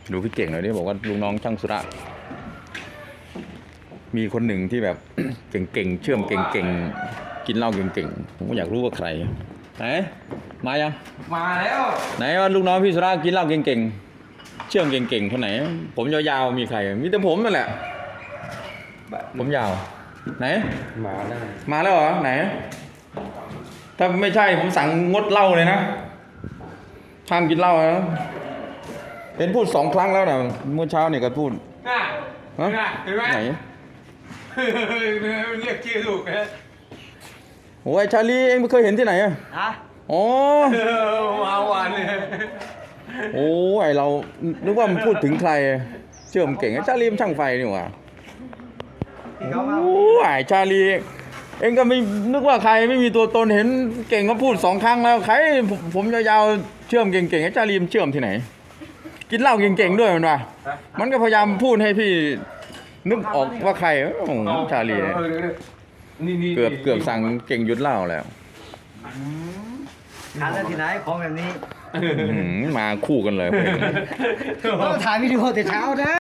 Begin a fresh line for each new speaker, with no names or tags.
ดูพี่เก่งหน่อยดิบอกว่าลูกน้องช่างสุระมีคนหนึ่งที่แบบ เก่งๆเชื่อมเก่งๆกินเหล้าเก่งๆผมก็อยากรู้ว่าใครไหนมายัง
มาแล้ว
ไหนว่าลูกน้องพี่สุระกินเหล้าเก่งๆเชื่อมเก่งๆคนไหนผมยาวๆมีใครมีแต่ผมนั่นแหละผมยาวไหน
มาแล้ว
มาแล้วเหรอไหนถ้าไม่ใช่ผมสั่งงดเหล้าเลยนะห้ามกินเหล้านะเห็นพูด2 ครั้งแล้วนะเมื่อเช้าเนี่ยก็พูด
น่ะ
ฮะ
เห็นไหม
ไหน
เรียกชื่อถูกนะ
โอ้ยชาลีเองไม่เคยเห็นที่ไหนอ่ะ
ฮะ
อ๋อ
มาหวานเลย
โอ้ยเรานึกว่ามันพูดถึงใครเชื่อมเก่งชาลีมันช่างไฟนี่หว่า
ที่เขามา
โอ้ยชาลีเองก็ไม่นึกว่าใครไม่มีตัวตนเห็นเก่งก็พูด2 ครั้งแล้วใครผมยาวๆเชื่อมเก่งๆชาลีมันเชื่อมที่ไหน กินเหล้าเก่งๆด้วยมันว่ะมันก็พยายามพูดให้พี่นึกออกว่าใครโอ้โหชาลีเนี่ย
นี่
เกือบสั่งเก่งหยุดเหล้าแล้ว
ทานได้ที่ไหนของแบบนี้
มาคู่กันเลย
ต้องถ่ายวิดีโอแต่เช้านะ